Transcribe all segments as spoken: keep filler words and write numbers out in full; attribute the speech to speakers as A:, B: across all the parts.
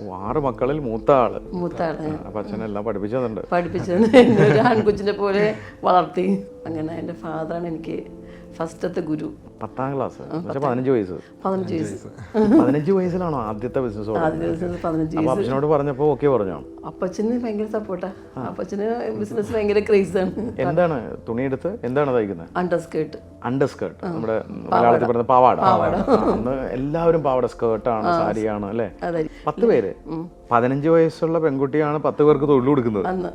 A: ആറ് മക്കളിൽ മൂത്ത ആള്.
B: മൂത്ത ആള്.
A: അപ്പൊ അച്ഛനെല്ലാം പഠിപ്പിച്ചതുണ്ട്.
B: പഠിപ്പിച്ചത് ഒരു ആൺകുച്ചിനെ പോലെ വളർത്തി. അങ്ങനെ എൻ്റെ ഫാദറാണ് എനിക്ക് ഫസ്റ്റത്തെ ഗുരു.
A: പത്താം ക്ലാസ് പതിനഞ്ച് വയസ്സ്
B: പതിനഞ്ച് വയസ്സ്
A: പതിനഞ്ച് വയസ്സിലാണോ ആദ്യത്തെ ബിസിനസ്?
B: ആദ്യ ദിവസം പതിനഞ്ച്
A: അപ്പൊ
B: വയസ്സ്.
A: അച്ഛനോട് പറഞ്ഞപ്പോ ഓക്കെ പറഞ്ഞോ?
B: അപ്പച്ചന് ഭയങ്കര സപ്പോർട്ടാ. അപ്പച്ചന് ബിസിനസ് ഭയങ്കര ക്രേസാണ്.
A: എന്താണ് തുണിയെടുത്ത് എന്താണ് തയ്ക്കുന്നത്?
B: Under skirt.
A: അണ്ടർ സ്കേർട്ട്, നമ്മുടെ മലയാളത്തിൽ പറയുന്ന പാവാട. അന്ന് എല്ലാവരും പാവാട, സ്കേർട്ടാണ്, സാരിയാണ് അല്ലേ? പത്ത് പേര്, പതിനഞ്ച് വയസ്സുള്ള പെൺകുട്ടിയാണ് പത്ത് പേർക്ക് തൊഴിൽ കൊടുക്കുന്നത്
B: അന്ന്.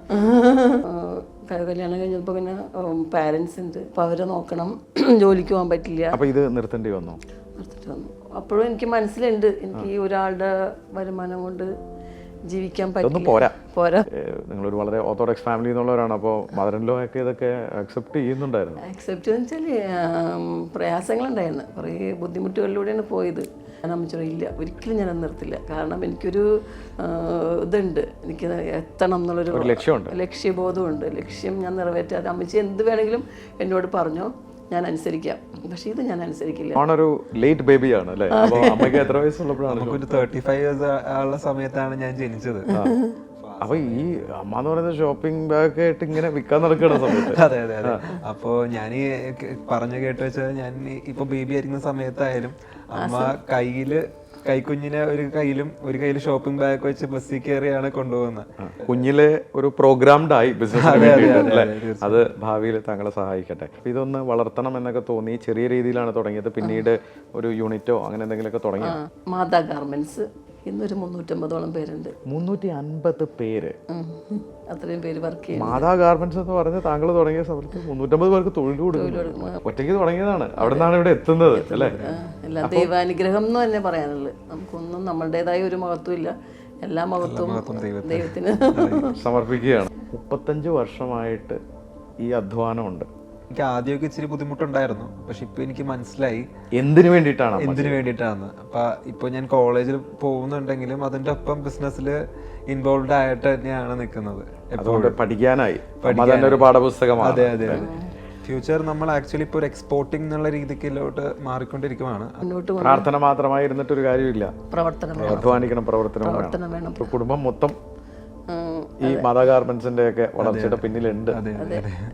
B: കല്യാണം കഴിഞ്ഞപ്പോൾ പിന്നെ പാരൻസ് ഉണ്ട്, അപ്പൊ അവരെ നോക്കണം, ജോലിക്ക് പോകാൻ പറ്റില്ല.
A: അപ്പൊ ഇത് നിർത്തേണ്ടി വന്നു?
B: നിർത്തിട്ട് വന്നു. അപ്പോഴും എനിക്ക് മനസ്സിലുണ്ട് എനിക്ക് ഈ ഒരാളുടെ വരുമാനം കൊണ്ട് ജീവിക്കാൻ പറ്റില്ല.
A: പോരാ
B: പോരാ
A: നിങ്ങളൊരു വളരെ ഓർത്തഡോക്സ് ഫാമിലി എന്നുള്ളവരാണ്. അപ്പോൾ മദർ ഇൻ ലോ ഒക്കെ ഇതൊക്കെ അക്സെപ്റ്റ് ചെയ്യുന്നുണ്ടായിരുന്നു?
B: അക്സെപ്റ്റ് എന്ന് വെച്ചാൽ പ്രയാസങ്ങളുണ്ടായിരുന്നു, കുറേ ബുദ്ധിമുട്ടുകളിലൂടെയാണ് പോയത്. ഞാൻ അമ്മച്ചോട് ഇല്ല, ഒരിക്കലും ഞാനത് നിർത്തില്ല. കാരണം എനിക്കൊരു ഇതുണ്ട്, എനിക്ക് എത്തണം എന്നുള്ളൊരു
A: ലക്ഷ്യമുണ്ട്,
B: ലക്ഷ്യബോധമുണ്ട്. ലക്ഷ്യം ഞാൻ നിറവേറ്റാതെ അമ്മച്ചി എന്ത് വേണമെങ്കിലും എന്നോട് പറഞ്ഞോ, ഞാൻ അനുസരിക്കാം. പക്ഷെ ഇത് ഞാൻ അനുസരിക്കില്ല.
A: ഒരു ലേറ്റ് ബേബിയാണ് അല്ലേ? അമ്മയ്ക്ക് എത്ര വയസ്സുള്ളപ്പോഴാണ്?
C: ഒരു തേർട്ടി ഫൈവ് ഇയേഴ്സ് ഉള്ള സമയത്താണ് ഞാൻ ജനിച്ചത്.
A: അപ്പൊ ഈ അമ്മ എന്ന് പറയുന്നത് ഷോപ്പിംഗ് ബാഗ് ആയിട്ട് ഇങ്ങനെ വിൽക്കാൻ നടക്കുന്ന സമയത്ത്?
C: അതെ അതെ അതെ. അപ്പോ ഞാൻ ഈ പറഞ്ഞു കേട്ട് വെച്ചാൽ, ഞാൻ ഇപ്പൊ ബേബി ആയിരിക്കുന്ന സമയത്തായാലും അമ്മ കയ്യില് കൈക്കുഞ്ഞിനെ ഒരു കയ്യിലും ഒരു കയ്യിൽ ഷോപ്പിംഗ് ബാഗ് വെച്ച് ബസ്സിൽ കയറിയാണ് കൊണ്ടുപോകുന്നത്.
A: കുഞ്ഞിലെ ഒരു പ്രോഗ്രാംഡ് ആയി ബിസിനസ്. അത് ഭാവിയിൽ താങ്കളെ സഹായിക്കട്ടെ. ഇതൊന്ന് വളർത്തണം എന്നൊക്കെ തോന്നി ചെറിയ രീതിയിലാണ് തുടങ്ങിയത്. പിന്നീട് ഒരു യൂണിറ്റോ അങ്ങനെ എന്തെങ്കിലുമൊക്കെ തുടങ്ങി?
B: മാതാ ഗാർമെന്റ്സ് ഇന്നൊരു മുന്നൂറ്റമ്പതോളം പേരുണ്ട്.
A: മുന്നൂറ്റി അൻപത് പേര്
B: അത്രയും പേര് വർക്ക് ചെയ്യും.
A: മാതാ ഗാർമെന്റ്സ് എന്ന് പറഞ്ഞ് താങ്കൾ തുടങ്ങിയ സമയത്ത് മുന്നൂറ്റമ്പത് പേർക്ക് തൊഴിൽ കൊടുക്കും. ഒറ്റയ്ക്ക് തുടങ്ങിയതാണ്, അവിടെ നിന്നാണ് ഇവിടെ എത്തുന്നത് അല്ലേ?
B: എല്ലാം ദൈവാനുഗ്രഹം എന്ന് തന്നെ പറയാനുള്ളത്. നമുക്കൊന്നും നമ്മളുടേതായ ഒരു മഹത്വം ഇല്ല, എല്ലാ മഹത്വവും ദൈവത്തിന്
A: സമർപ്പിക്കുകയാണ്. മുപ്പത്തഞ്ച് വർഷമായിട്ട് ഈ അധ്വാനമുണ്ട്.
C: എനിക്ക് ആദ്യമൊക്കെ ഇച്ചിരി ബുദ്ധിമുട്ടുണ്ടായിരുന്നു, പക്ഷെ ഇപ്പൊ എനിക്ക് മനസ്സിലായി
A: എന്തിനു വേണ്ടിയിട്ടാണ്
C: എന്തിനു വേണ്ടിയിട്ടാണ്. അപ്പൊ ഇപ്പൊ ഞാൻ കോളേജിൽ പോകുന്നുണ്ടെങ്കിലും അതിന്റെ ഒപ്പം ബിസിനസ്സിൽ ഇൻവോൾവ് ആയിട്ട് തന്നെയാണ് നിൽക്കുന്നത്.
A: അതുകൊണ്ട് പഠിക്കാനായി ഒരു പാഠപുസ്തകമാണ്.
C: അതെ അതെ. ഫ്യൂച്ചർ നമ്മൾ ആക്ച്വലി ഇപ്പോൾ ഒരു എക്സ്പോർട്ടിംഗ് എന്നുള്ള രീതിക്കിലോട്ട് മാറിക്കൊണ്ടിരിക്കുകയാണ്.
A: പ്രാർത്ഥന മാത്രമായി ഇരുന്നിട്ട് ഒരു കാര്യമില്ല,
B: പ്രവർത്തനം,
A: അധ്വാനിക്കണം, പ്രവർത്തനം വേണം. കുടുംബം മൊത്തം ഈ മാതാ ഗാർമെന്റ്സിന്റെ ഒക്കെ വളർച്ചയുടെ പിന്നിലുണ്ട്.